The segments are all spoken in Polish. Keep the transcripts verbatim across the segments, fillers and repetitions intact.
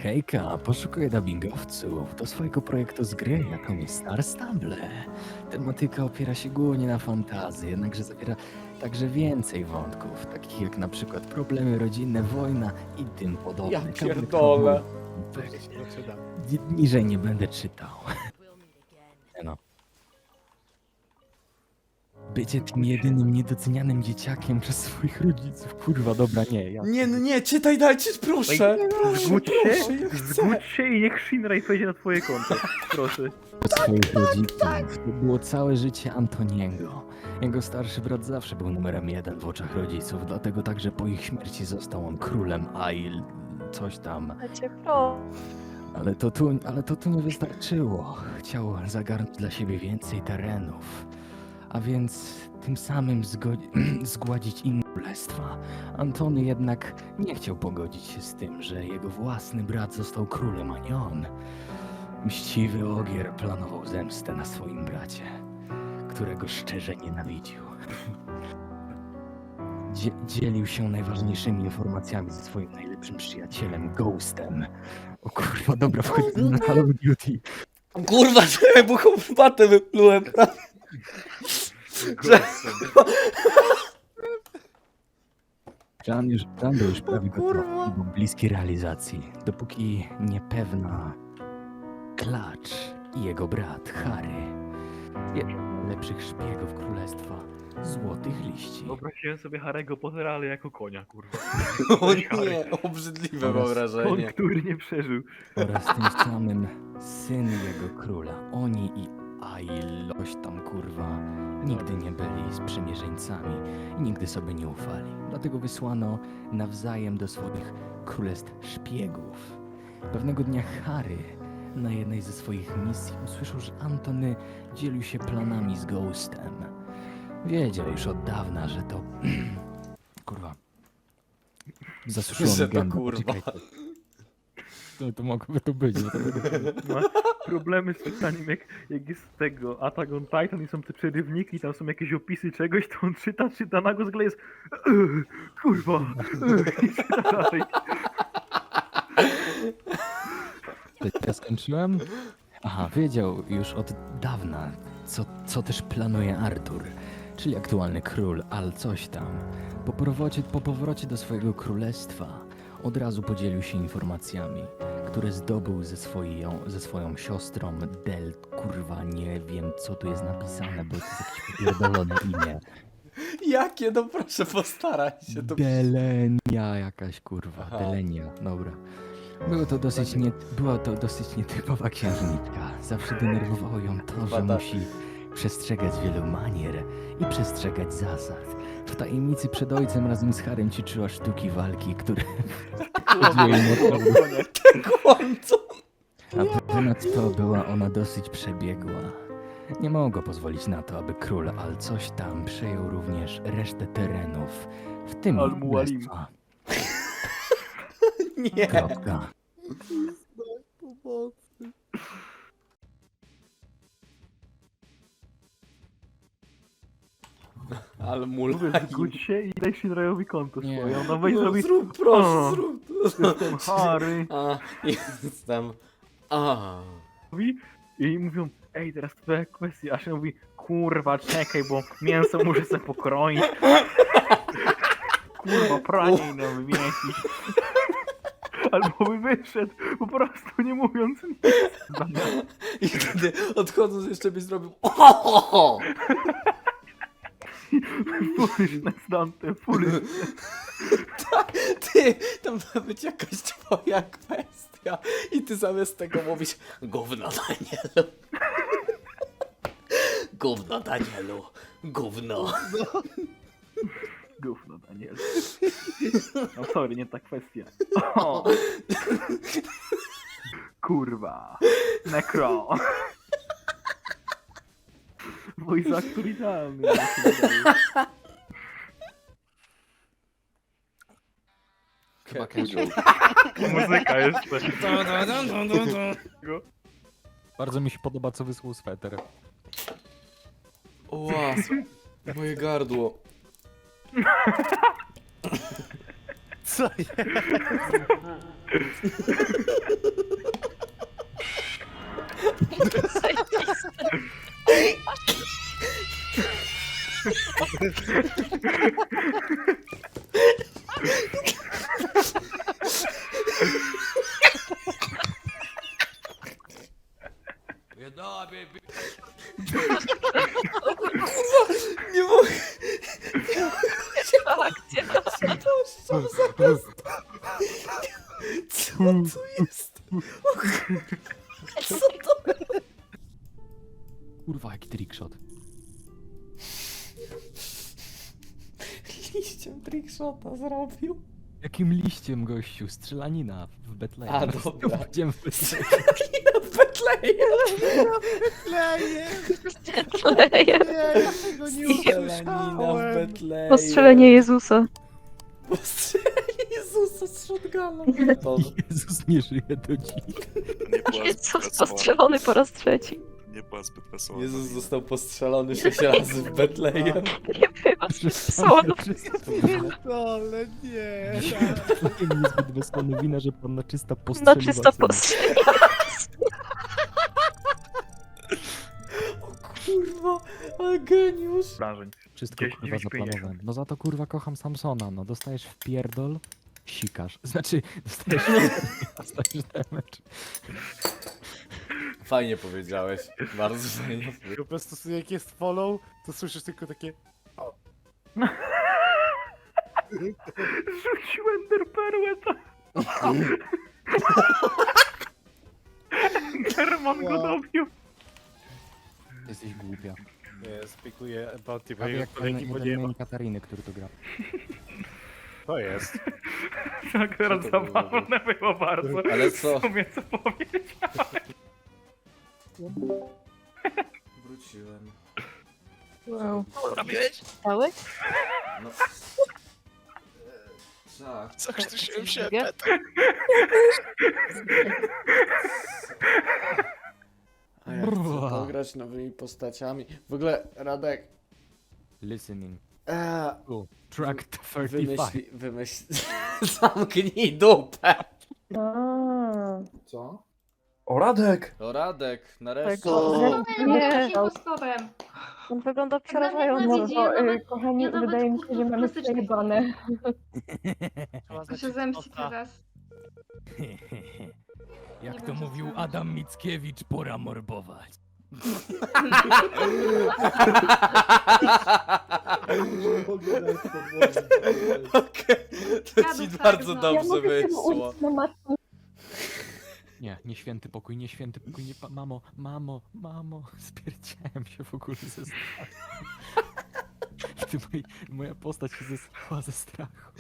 Hejka, poszukuję dubbingowców do swojego projektu z gry, jaką jest Star Stable. Tematyka opiera się głównie na fantazji, jednakże zawiera także więcej wątków, takich jak na przykład problemy rodzinne, wojna i tym podobne. Ja Kabel pierdolę. kabel. Ni- Niżej nie będę czytał. No. Bycie tym jedynym niedocenianym dzieciakiem przez swoich rodziców. Kurwa, dobra, nie. Ja... Nie, no nie, czytaj dajcie, proszę. Zgódź Proszę, się, ja chcę. zgódź się i niech Shinrai wejdzie na twoje konto. Proszę. Od swoich rodziców. To było całe życie Antoniego. Jego starszy brat zawsze był numerem jeden w oczach rodziców, dlatego także po ich śmierci został on królem Ail, coś tam. Cię pro. Ale to tu, ale to tu nie wystarczyło. Chciał zagarnąć dla siebie więcej terenów, a więc tym samym zgodzi- zgładzić inne królestwa. Antony jednak nie chciał pogodzić się z tym, że jego własny brat został królem, a nie on. Mściwy Ogier planował zemstę na swoim bracie, którego szczerze nienawidził. Dzie- dzielił się najważniejszymi informacjami ze swoim najlepszym przyjacielem, Ghostem. O kurwa, dobra, wchodzimy na Call of Duty. Kurwa, czekaj, bo batę wyplułem. Plan, już, plan był już prawie gotowy kurwa. i był bliski realizacji, dopóki niepewna Klacz i jego brat Harry, jeden z najlepszych szpiegów królestwa Złotych Liści, Wyobraziłem sobie Harego Pottera, ale jako konia, kurwa. O nie, obrzydliwe Oraz On, wyobrażenie. który nie przeżył. oraz tym samym syn jego króla, oni i Ail, coś tam kurwa, nigdy nie byli sprzymierzeńcami i nigdy sobie nie ufali. Dlatego wysłano nawzajem do swoich królestw szpiegów. Pewnego dnia Harry na jednej ze swoich misji usłyszał, że Antony dzielił się planami z Ghostem. Wiedział już od dawna, że to... kurwa... Zasuszyło Że mi to gębę, kurwa. poczekajcie. To, to mogłoby to być. Bo to by... Ma problemy z czytaniem, jak, jak jest tego Attack on Titan i są te przerywniki, tam są jakieś opisy czegoś, to on czyta, czyta, nagle z jest "Ech, kurwa, ech", i czyta dalej. Ja skończyłem? Aha, wiedział już od dawna, co, co też planuje Artur, czyli aktualny król, Al coś tam. Po powrocie, po powrocie do swojego królestwa od razu podzielił się informacjami, które zdobył ze, swoją, ze swoją siostrą Del. Kurwa, nie wiem co tu jest napisane, bo to jest jakieś popierdolone imię. Jakie, no proszę, postaraj się. To... Delenia jakaś kurwa, Aha. Delenia, dobra. Było to dosyć nie, była to dosyć nietypowa księżniczka. Zawsze denerwowało ją to, że Bada. musi przestrzegać wielu manier i przestrzegać zasad. W tajemnicy przed ojcem razem z Harem ćwiczyła sztuki walki, które chodziły jej naprawdę. Kłamco. A ponadto była ona dosyć przebiegła. Nie mogła pozwolić na to, aby król Al coś tam przejął również resztę terenów, w tym Al ich Mualim. królestwa. Nie. Kropka. Ale Mówię, mulaj. zgódź się i daj Shinraiowi konto Nie. swoje. Ona weź No, zrobi zrób, proszę, O. zrób. jestem Harry. A, jestem. A. Mówi i mówią, ej, teraz twoja kwestia, a się mówi, kurwa, czekaj, bo mięso muszę sobie pokroić. Kurwa, pranie nam wymienić. Albo by wyszedł, po prostu nie mówiąc nic. I wtedy odchodząc jeszcze byś zrobił. O! Furyczne stante, furyczne. Ty, tam ma być jakaś twoja kwestia. I ty zamiast tego mówisz gówno Danielu. Gówno Danielu. Gówno. Gówno, Daniel. No sorry, nie ta kwestia. O. Kurwa. Necro. Voice actor idealny. mi się wydaje. Chyba casual. Muzyka jeszcze. Bardzo mi się podoba, co wysłał sweter. O, łas. Moje gardło. Co jest? Nie mogę. Akcja. Co za jest? Co to jest? Co to? Kurwa, jaki trickshot. Liściem trickshota zrobił. Jakim liściem, gościu? Strzelanina w Betlejem. A, dobra. Będziemy w Betlejem. W Betlejem. Kleje. Tego nie Strzelanina w Betlejem. Postrzelenie Jezusa. Postrzelenie Jezusa z shotguna. To... Jezus nie żyje do dziś. Nie była zbyt Jezus wesoła. postrzelony po raz trzeci. Nie była zbyt wesoła. Jezus został postrzelony sześć razy w Betlejem. Nie była wesoła. Ale nie. Betlejem niezbyt wysłany wina, że panna czysta No postrzeliła czysto syna. postrzeliła. O kurwa, ale geniusz. Wrażeń. Wszystko Gdzieś kurwa dziewięć pięćdziesiąt. zaplanowałem. No za to kurwa kocham Samsona, no dostajesz w pierdol, sikasz. Znaczy, dostajesz dostajesz damage. Fajnie powiedziałeś, bardzo fajnie. Po prostu sobie jak jest follow, to słyszysz tylko takie... Rzucił enderperłę to. Enderman go Wow. dobił. Jesteś głupia. Nie, spikuję bounty, bo Prawie jego jak ten kolegi, bo nie jeden ma. main Katariny, który tu gra. To jest. Tak, teraz Co to było? zabawne było bardzo. Ale co? W sumie co powiedzieć. Wróciłem. Wow. Robiłeś? Cały? No. E, tak. Zakrztusiłem się, Drugie? Peta. A ja chcę pograć nowymi postaciami. W ogóle, Radek, Listening. e, Cool. Track trzydzieści pięć. wymyśli, wymyśl... Zamknij dupę. Co? O, Radek! To Radek, nareszcie. Co? Nie, impostorem. on wygląda Nawet przerażająco. nie No, nawet- y, kochani, ja nawet wydaje mi się, że mamy klasycznie- przejebane. To się zemści teraz. Jak Nie to wiem, co mówił zrobić. Adam Mickiewicz, pora morbować. Okej, to Ja ci bym bardzo tak, no. Ja dobrze mogę się wyszło. uczyć na matce. Nie, nie święty pokój, nie święty pokój, nie pa- mamo, mamo, mamo, spierdziałem się w ogóle ze strachu. Ty, moi, moja postać się zesrała ze strachu.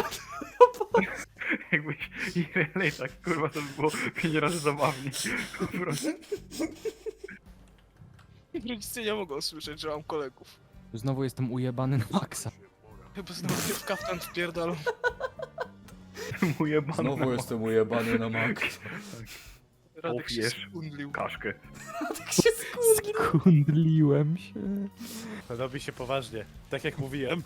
Jakbyś Irelej tak kurwa to by było pięć razy zabawniej. Po prostu. Rodzice nie mogą słyszeć, że mam kolegów. Znowu jestem ujebany na maksa. Chyba znowu się w kaftan wpierdolą. Mu jebany Znowu na jestem ujebany na mak. Radek się Opierz. skundlił. kaszkę. Tak się skurwił. Skundliłem się. Robi się poważnie. Tak jak mówiłem.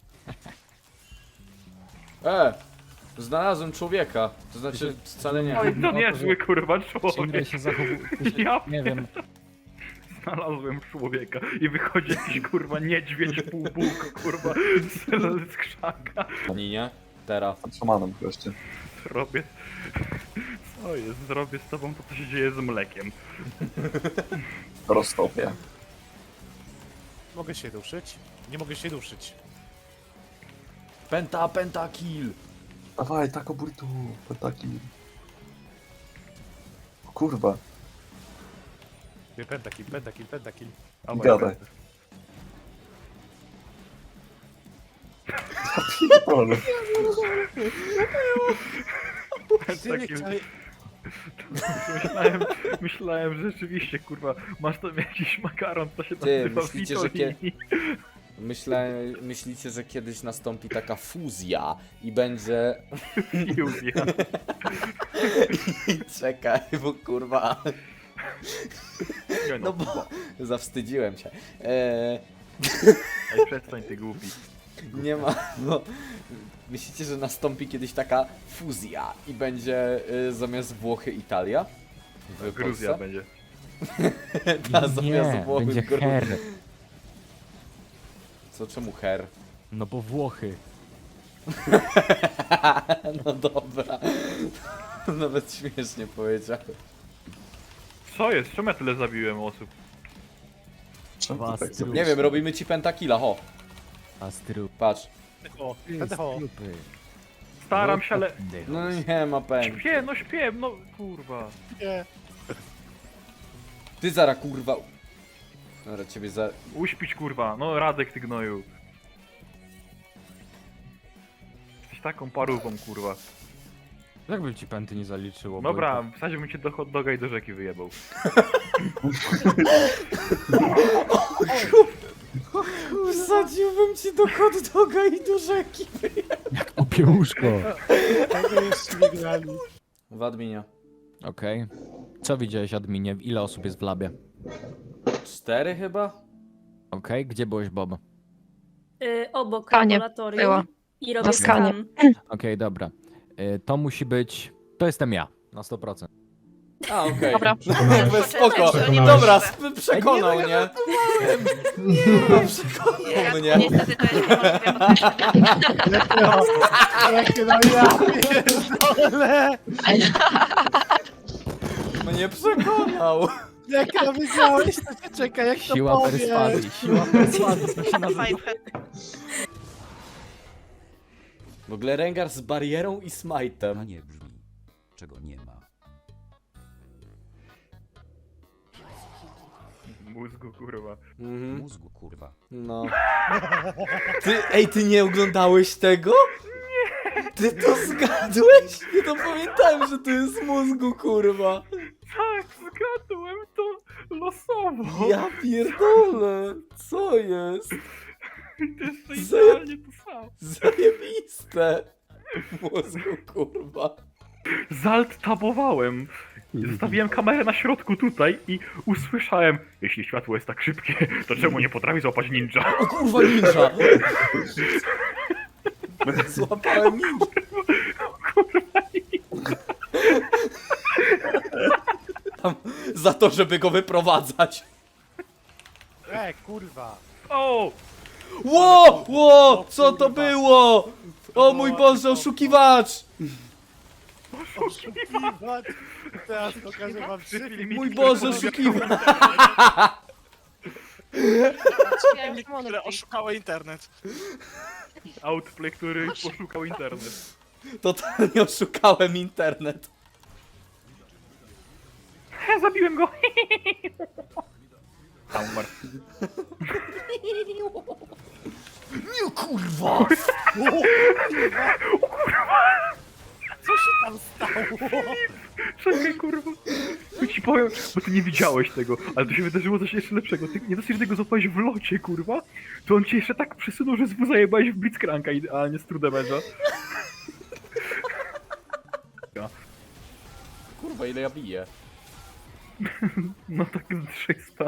E, znalazłem człowieka. To znaczy, wcale nie. Oj, to No to, niezły kurwa Shinra człowiek. się zachowuje. Ja Nie wiem, Znalazłem człowieka i wychodzi jakiś kurwa niedźwiedź półbóg, kurwa z, z krzaka. Ani nie? Teraz. Szamanem goście. Zrobię... Co jest? Zrobię z tobą to, co się dzieje z mlekiem. Roztopię. Mogę się ruszyć? Nie mogę się ruszyć. Penta, penta, kill. Dawaj, tako burtu. Taki. O kurwa. Pentakill, pentakill, pentakill. Gadaj. Pierdolę. Taki... Myślałem, myślałem, że rzeczywiście, kurwa, masz tam jakiś makaron, to się Ty, nazywa myślicie, że kie- Vitolini. Myślę, myślicie, że kiedyś nastąpi taka fuzja i będzie... Fuzja. Czekaj, bo kurwa... Nie No bo... Zawstydziłem się. Eee, Ej, przestań ty głupi. nie ma... No, myślicie, że nastąpi kiedyś taka fuzja i będzie y, zamiast Włochy Italia? W Gruzja Polsce? będzie. Ta Nie, zamiast Włochy będzie gru- her. Co, czemu her? No bo Włochy. No dobra. Nawet śmiesznie powiedziałem. Co jest? Czemu ja tyle zabiłem osób? Czemu Was ty tak trup. zrobiłeś? Nie wiem, robimy ci pentakilla, ho. Astru. Patrz. O, Jest o. trupy. Staram się, ale... No nie ma pen. Śpię, no śpię, no kurwa. Nie. Ty zara kurwa. Dobra, ciebie za... Uśpić kurwa, no Radek ty gnoju. Jesteś taką parówką kurwa. Jak by ci pęty nie zaliczyło? Dobra, Wojtek? wsadziłbym cię do hot doga i do rzeki wyjebał. Wsadziłbym ci do hot doga i do rzeki. Opiełuszko. Tego jeszcze nie grali. W adminie. Okej. Co widziałeś, adminie? Ile osób jest w labie? Cztery chyba? Okej, gdzie byłeś, Bob? Y, obok Skanie laboratorium była. i robię Na skanie. skan. Okej, dobra. Y, to musi być... To jestem ja. Na sto procent. A, okej. Dobra. Jakby spoko. Dobra, sp- przekonał, nie? Nie, przekonał mnie. Niestety to jest niemożliwe. Jakie no ja pierdolę! Mnie przekonał. Jak to wiedziałeś, to cię czeka, jak to Siła powiesz. perswazji. Siła perswazji, to się nazywa. W ogóle Rengar z barierą i smite'em. nie brzmi, czego nie ma. Mózgu kurwa. Mhm. Mózgu kurwa. No. Ty, ej, ty nie oglądałeś tego? Nie. Ty to zgadłeś? Ja to pamiętałem, że to jest mózgu, kurwa. Tak, zgadłem to losowo. Ja pierdolę. Co jest? To jest Zaje- idealnie to samo. Zajebiste. Mózgu, kurwa. Zalt tabowałem. Zostawiłem kamerę na środku tutaj i usłyszałem, jeśli światło jest tak szybkie, to czemu nie potrafi złapać ninja? O kurwa, ninja. Złapałem ninja. Kurwa, Tam, za to, żeby go wyprowadzać. E, kurwa. o! Ło! Ło! Co to było? O mój Boże, oszukiwacz! Oszukiwać. Teraz pokażę wam trzy filmiki. Mój Boże, oszukiwacz! Które oszukały internet. Outplay, który poszukał internet. Totalnie oszukałem internet. Ja zabiłem go! Tam umarł. Nie kurwa! Co się tam stało? Czekaj, kurwa. Ja ci powiem, bo ty nie widziałeś tego, ale tu się wydarzyło coś jeszcze lepszego. Ty nie dosyć, że tego złapałeś w locie, kurwa, to on cię jeszcze tak przesunął, że zwu zajebałeś w Blitzcranka idealnie z true damage'a. Kurwa, ile ja biję. No tak z trzysta.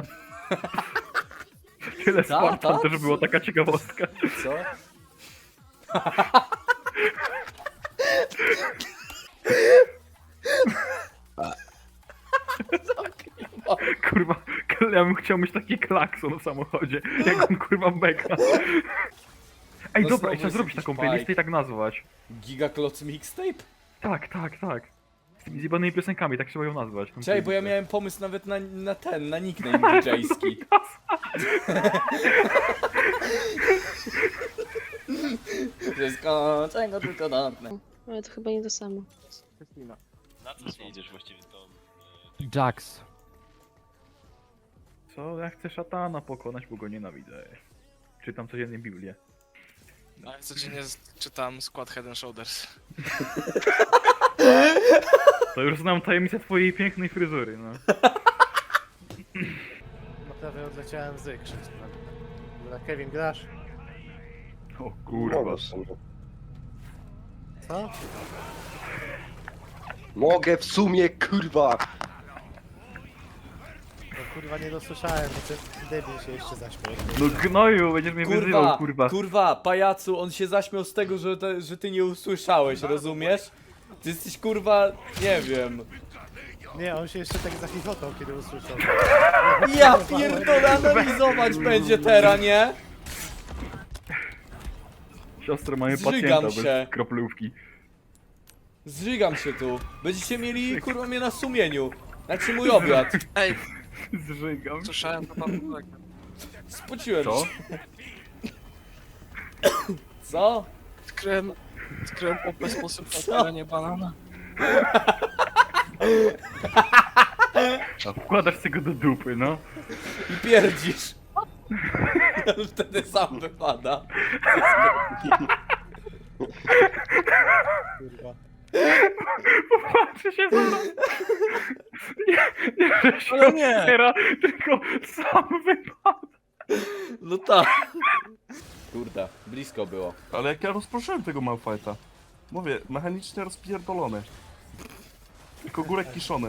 Tyle Ta, Spartan, ta? to że była taka ciekawostka. Co? Kurwa, ja bym chciał mieć taki klakson w samochodzie, jak on kurwa beka. Ej, No dobra, znowu i trzeba jest zrobić jakiś taką bajk. playlistę i tak nazwać. Gigakloc mixtape? Tak, tak, tak. Z tymi zjebanymi piosenkami, tak trzeba ją nazwać. tą Czekaj, bo ja playlistę. miałem pomysł nawet na, na ten, na nickname didżejski. Wszystko, czego tylko dotknę. Ale to chyba nie to samo. Na co jedziesz właściwie to? Jax. Co? Ja chcę szatana pokonać, bo go nienawidzę. Czytam codziennie Biblię. A ja codziennie z- czytam skład Head and Shoulders. To już znam tajemnicę twojej pięknej fryzury, no. No prawie odleciałem z krzyk. Na Kevin grasz? O kurwa. Co? Mogę w sumie, kurwa! No kurwa nie dosłyszałem, bo ten debil się jeszcze zaśmiał. No gnoju, będziesz mnie Kurwa, wyzywał, kurwa. kurwa, pajacu, on się zaśmiał z tego, że, te, że ty nie usłyszałeś, rozumiesz? Ty jesteś kurwa, nie wiem. Nie, on się jeszcze tak zachichotał, kiedy usłyszał. Ja pierdolę, analizować będzie teraz, nie? Siostro, mamy Zżygam pacjenta się. bez kroplówki. Zżygam się tu. Będziecie mieli kurwa mnie na sumieniu. Znaczy mój obiad. Ej, Zżygam. słyszałem to tam tak. Spociłem Co? się. Co? Skryłem, skryłem popę sposób Co? na terenie banana. A wkładasz tego do dupy, no. I pierdzisz. Wtedy sam wypada. Kurwa. Patrzę się zaraz. Nie, nie, że się Ale nie. otwiera, tylko sam wypadł. No tak. Kurde, blisko było. Ale jak ja rozproszyłem tego Malfighta. Mówię, mechanicznie rozpierdolony. Tylko górek kiszony.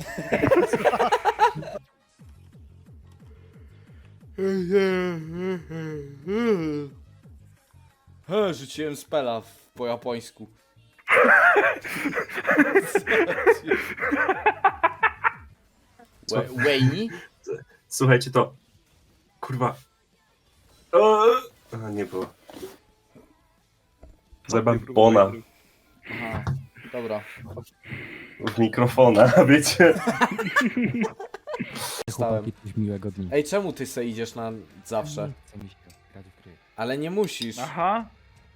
He, rzuciłem spela w, po japońsku. Wei- Weini? Słuchajcie, to... Kurwa... O! A, nie było. Zajebam Bona Aha, dobra. w mikrofona, wiecie? Chłopaki, coś miłego dnia. Ej, czemu ty se idziesz na zawsze? Chce mi się grać w gry. Ale nie musisz. Aha.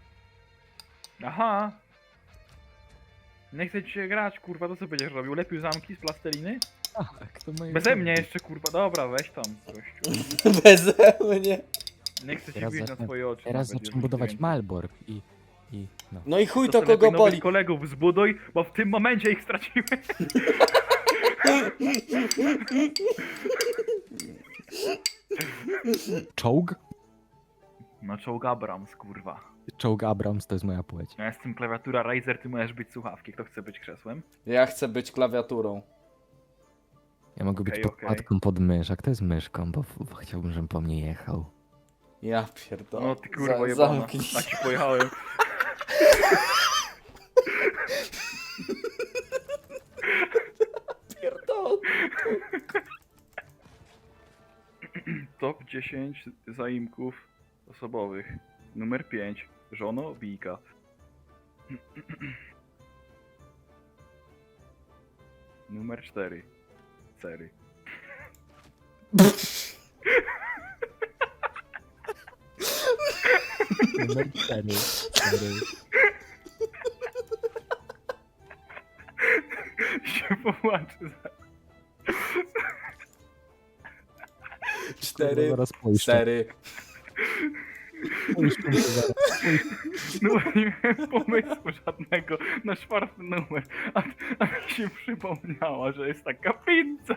Aha. Nie chcę ci się grać, kurwa, to co będziesz robił? Lepił zamki z plasteliny? Tak, to moje Beze mnie jeszcze, kurwa, dobra, weź tam, gościu. Beze mnie. Nie chcę ci Teraz bić na zacznę- twoje oczy. Teraz nawet, zacznę już budować więcej. Malbork i... i no. No i chuj To to sobie kogo lepiej nowych boli. kolegów zbuduj, bo w tym momencie ich straciłem. Czołg? No czołg Abrams, kurwa. Czołg Abrams to jest moja płeć. Ja jestem klawiatura Razer, ty możesz być słuchawki. Kto chce być krzesłem? Ja chcę być klawiaturą. Ja mogę być Okej, podkładką pod mysz, a kto jest myszką, bo, bo chciałbym, żebym po mnie jechał. Ja pierdolę. No ty kurwa Za- jebana. zamknij A ci pojechałem. Pierdolę. Top dziesięć zaimków osobowych. Numer pięć. Żono Wika. Numer cztery. Cery. Numer cztery. cztery. Się popłaczy za... Cztery. Zaraz pójść. Cztery. No bo nie miałem pomysłu żadnego na czwarty numer. A, a mi się przypomniała, że jest taka pizza.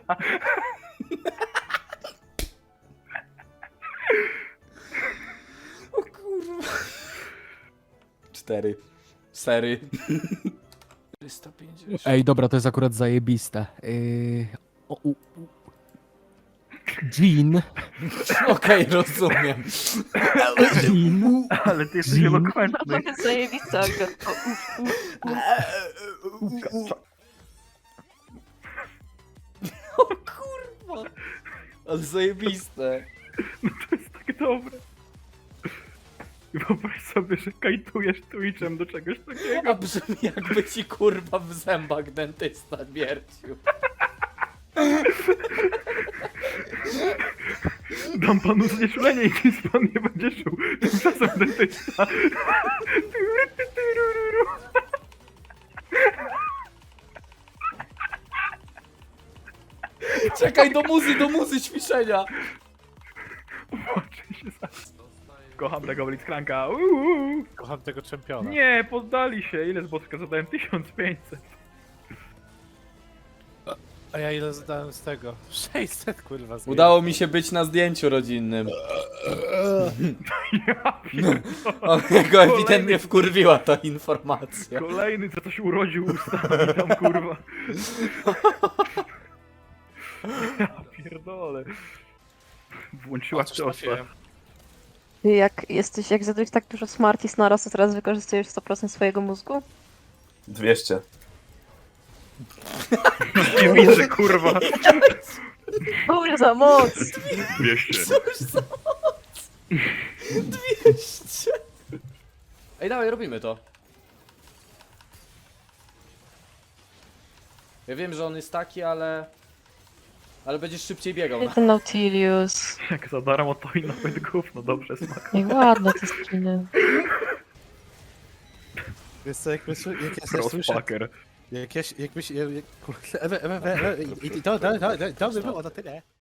O kurwa. Cztery. Sery. czterysta pięćdziesiąt. Ej, dobra, to jest akurat zajebiste. Yy... O, u, u. Jean. Okej, rozumiem. Jean? Ale ty jesteś Jean? elokwentny. Zajebista. O kurwa. Ale zajebiste. No to jest tak dobre. I wyobraź sobie, że kajtujesz Twitchem do czegoś A takiego. brzmi jakby ci kurwa w zębach dentysta wiercił. Dam panu znieczulenie i nic pan nie będzie czuł. Tymczasem dentysta. Czekaj, do muzy, do muzy ćwiczenia. Płaczę się za... Kocham tego Blitzcranka. Uuu. Kocham tego czempiona. Nie, poddali się. Ile z boczka zadałem? tysiąc pięćset. A ja ile zadałem z tego? sześćset kurwa z Udało mi się być na zdjęciu rodzinnym. Ja pierdolę. O, jego ewidentnie wkurwiła ta informacja. Kolejny, co coś urodził ustami tam, kurwa. Ja pierdolę. Włączyła Cóż ciosa. trafiłem. Jak jesteś, jak zadałeś tak dużo Smarties naraz, to teraz wykorzystujesz sto procent swojego mózgu? dwieście. Nie widzę, kurwa. Boże za moc! Dwieście. dwieście. Ej, dawaj, robimy to. Ja wiem, że on jest taki, ale... Ale będziesz szybciej biegał. Ten Nautilius. Jak za darmo to i nawet gówno, dobrze smak. Jak ładne te skiny. Wiesz co, jak, myśl, jak ja sobie słyszę, Crossfucker. jak ja, jakbyś, jak, kurde, ewe, ewe, ewe, ewe, i, i to, to, to, to, to by było na tyle.